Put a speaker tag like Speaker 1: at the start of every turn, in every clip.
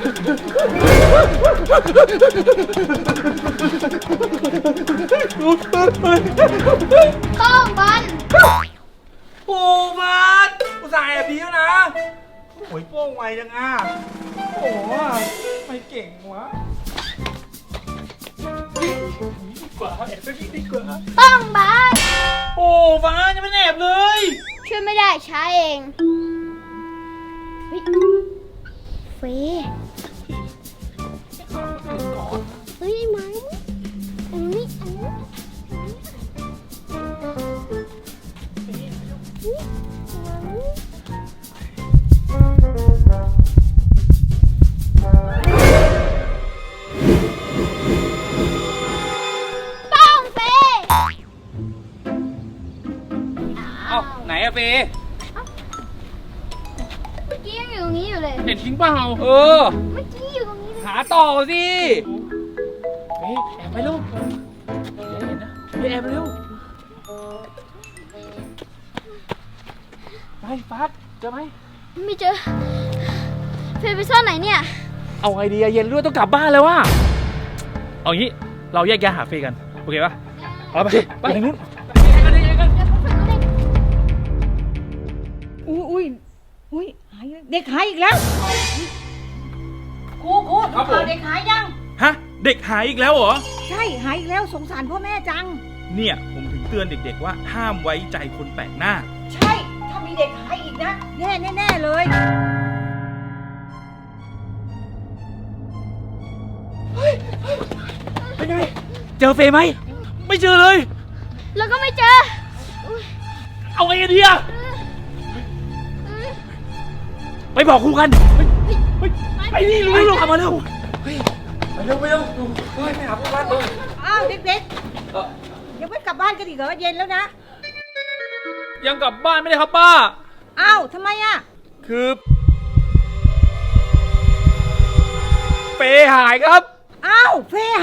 Speaker 1: ข้องบอล
Speaker 2: โอ้มาดอุตส่าห์แอบดีแล้วนะโอ้ยโป้งไวจังอ่ะโอ้ไม่เก่งวะดีกว่าแอบสักนิดดีกว่า
Speaker 1: ข้องบอล
Speaker 2: โอ้ฟ้าจะไม่แอบเลย
Speaker 1: ช่วยไม่ได้ใช้เองเฟเฮ้ยไม้อันนี้
Speaker 2: ไหนอะเฟ
Speaker 1: เมื่อกี้ยังอยู่ตรงนี้อยู่เลย
Speaker 2: เห็นทิ้งเปล่าเออ
Speaker 1: เมื่อกี้อยู่ตรงนี้
Speaker 2: หาต่อสิเฮ้ยแอบไปลูกอย่าเห็นนะอย่าแอบเร็วไปฟัดเจอไหม
Speaker 1: ไม่เจอเฟย์ไปซ่อนไหนเนี่ย
Speaker 2: เอาไงดีอะเย็นด้วยต้องกลับบ้านแล้วว่ะเอางี้เราแยกย้ายหาเฟย์กันโอเคปะเอาไปทางนู้น
Speaker 3: อุ้ยเด็กหายอีกแล้วครูเอาเด็กหายยัง
Speaker 2: ฮะเด็กหายอีกแล้วเหรอ
Speaker 3: ใช่หายอีกแล้วสงสารพ่อแม่จัง
Speaker 2: เนี่ยผมถึงเตือนเด็กๆว่าห้ามไว้ใจคนแปลกหน้า
Speaker 3: ใช่ถ้ามีเด็กหายอีกนะแน่เลย
Speaker 2: เป็นไงเจอเฟย์ไหมไม่เจอเลย
Speaker 1: แล้วก็ไม่เจอ
Speaker 2: เอาไงดีอะไปบอกครูกันไปนี่รู้กลับมาเร็วไปเร็วไปหาครูกัน
Speaker 3: อ้าวเด็กๆยังไม่กลับบ้านกันอีกเหรอเย็นแล้วนะ
Speaker 2: ยังกลับบ้านไม่ได้ครับป้า
Speaker 3: อ้าวทำไมอะ
Speaker 2: คือเฟย์หายครับ
Speaker 3: อ้าวเฟย์ห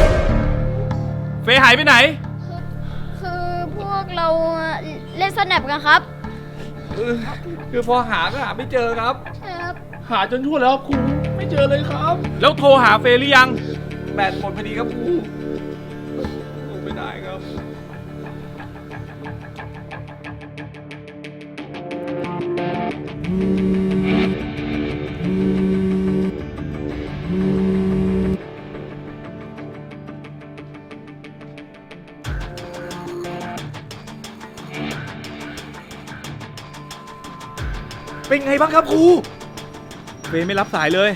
Speaker 2: ายไปไหน
Speaker 1: คือพวกเราเล่นสแนปกันครับ
Speaker 2: คือพอหาก็หาไม่เจอครับหาจนทั่วแล้วครูไม่เจอเลยครับแล้วโทรหาเฟย์หรือยังแบตหมดพอดีครับครูไม่ได้ครับเป็นไงบ้างครับครูเฟย์ไม่รับสายเลย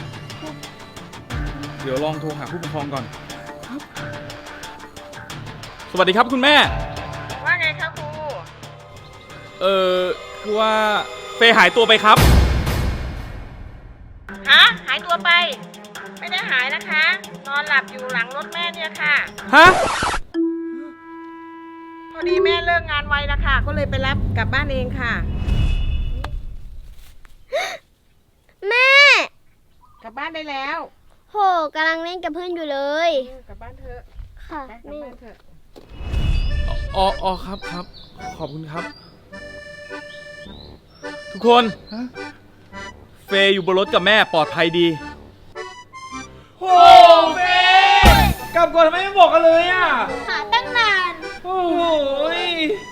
Speaker 2: เดี๋ยวลองโทรหาผู้ปกครองก่อนครับสวัสดีครับคุณแม่
Speaker 3: ว่าไงครับครู
Speaker 2: คือว่าเฟย์หายตัวไปครับ
Speaker 3: ฮะหายตัวไปไม่ได้หายนะคะนอนหลับอยู่หลังรถแม่เนี่ยค่ะ
Speaker 2: ฮะ
Speaker 3: พอดีแม่เลิกงานไวนะคะก็เลยไปรับกลับบ้านเองค่ะ
Speaker 1: แม่
Speaker 3: กลับบ้านได้แล้ว
Speaker 1: โหกำลังเล่นกับเพื่อนอยู่เลย
Speaker 3: กลับบ้านเถอะ
Speaker 1: ค่ะ
Speaker 3: กลับบ้านเถอะ
Speaker 2: อ๋อครับขอบคุณครับทุกคนเฟย์อยู่บนรถกับแม่ปลอดภัยดีโอ้เฟย์กลับก่อนทำไมไม่บอกกันเลยอ่ะ
Speaker 1: หาตั้งนาน
Speaker 2: โอ้ย